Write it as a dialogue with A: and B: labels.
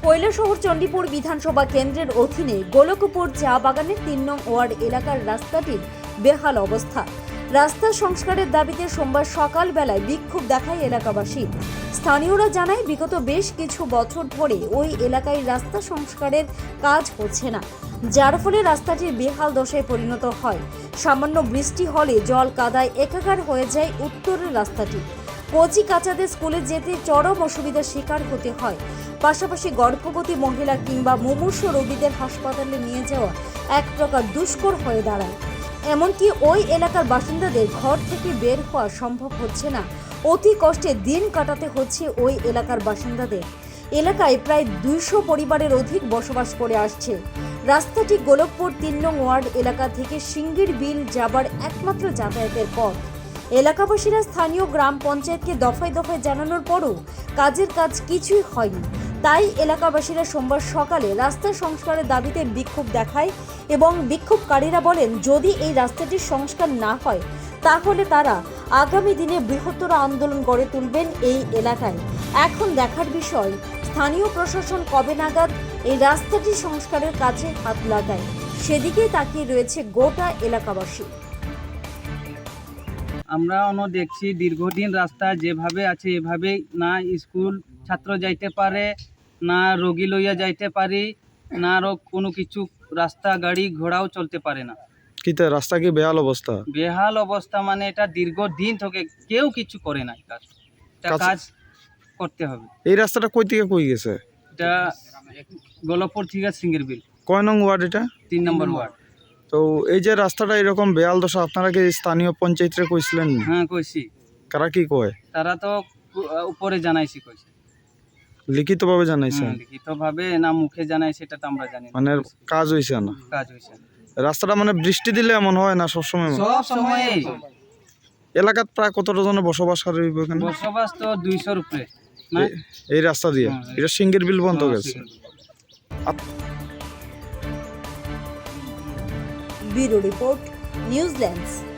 A: কৈলাসহর চণ্ডীপুর বিধানসভা কেন্দ্রের অধীনে গোলকপুর চা বাগানের ৩ নং ওয়ার্ড এলাকার রাস্তাটির বেহাল অবস্থা। রাস্তা সংস্কারের দাবিতে সোমবার সকালবেলায় বিক্ষোভ দেখায় এলাকাবাসী। স্থানীয়রা জানায় বিগত বেশ কিছু বছর ধরে ওই এলাকায় রাস্তা সংস্কারের কাজ হচ্ছে না, যার ফলে রাস্তাটির বেহাল দশায় পরিণত হয়। সামান্য বৃষ্টি হলে জল কাদায় একাকার হয়ে যায় উত্তরের রাস্তাটি। কচি কাচাদের স্কুলে যেতে চরম অসুবিধার শিকার হতে হয়। পাশাপাশি গর্ভবতী মহিলা কিংবা মুমূর্ষ রোগীদের হাসপাতালে নিয়ে যাওয়া এক প্রকার দুষ্কর হয়ে দাঁড়ায়। এমনকি ওই এলাকার বাসিন্দাদের ঘর থেকে বের হওয়া সম্ভব হচ্ছে না। অতি কষ্টে দিন কাটাতে হচ্ছে ওই এলাকার বাসিন্দাদের। এলাকায় প্রায় 200 পরিবারের অধিক বসবাস করে আসছে। রাস্তাটি গোলকপুর 3 নং ওয়ার্ড এলাকা থেকে সিঙ্গির বিল যাবার একমাত্র যাতায়াতের পথ। এলাকাবাসীরা স্থানীয় গ্রাম পঞ্চায়েতকে দফায় দফায় জানানোর পরও কাজের কাজ কিছুই হয়নি। তাই এলাকাবাসীরা সোমবার সকালে রাস্তা সংস্কারের দাবিতে বিক্ষোভ দেখায় এবং বিক্ষোভকারীরা বলেন, যদি এই রাস্তাটির সংস্কার না হয় তাহলে তারা আগামী দিনে বৃহত্তর আন্দোলন গড়ে তুলবেন এই এলাকায়। এখন দেখার বিষয় স্থানীয় প্রশাসন কবে নাগাদ এই রাস্তাটি সংস্কারের কাজে হাত লাগায়, সেদিকেই তাকিয়ে রয়েছে গোটা এলাকাবাসী।
B: আমরা দেখছি দীর্ঘদিন রাস্তা যেভাবে আছে এভাবেই, না স্কুল ছাত্র যাইতে পারে, না রোগী লইয়া যাইতে পারি, না আরো কোনো কিছু রাস্তা গাড়ি ঘোড়াও চলতে পারে না।
C: কিতা রাস্তা কি বেহাল অবস্থা?
B: বেহাল অবস্থা মানে এটা দীর্ঘদিন থেকে কেউ কিছু করে না। কাজ করতে হবে।
C: এই রাস্তাটা কই থেকে কই গেছে?
B: এটা গোলকপুর থেকে সিঙ্গির বিল।
C: কয় নং ওয়ার্ড এটা?
B: 3 নম্বর ওয়ার্ড।
C: তো এই যে রাস্তাটা এরকম বেহাল দশা, আপনারা কি স্থানীয় পঞ্চায়েতরে কইছিলেন?
B: হ্যাঁ কইছি।
C: কারা কি কয়?
B: তারা তো উপরে জানাইছি কইছে।
C: লিখিতভাবে জানাইছেন?
B: লিখিতভাবে না মুখে জানাই সেটা তো আমরা জানি না।
C: মানে কাজ হইছে না?
B: কাজ হইছে না।
C: রাস্তাটা মানে বৃষ্টি দিলে এমন হয় না সবসময়?
B: সব সময়।
C: এলাকাত প্রায় কতটা জনের বসবাস হইব এখানে?
B: বসবাস তো 200-র উপরে না
C: এই রাস্তা দিয়ে। এটা সিঙ্গির বিল বন্ধ গেছে।
A: Bureau report, New Zealand's.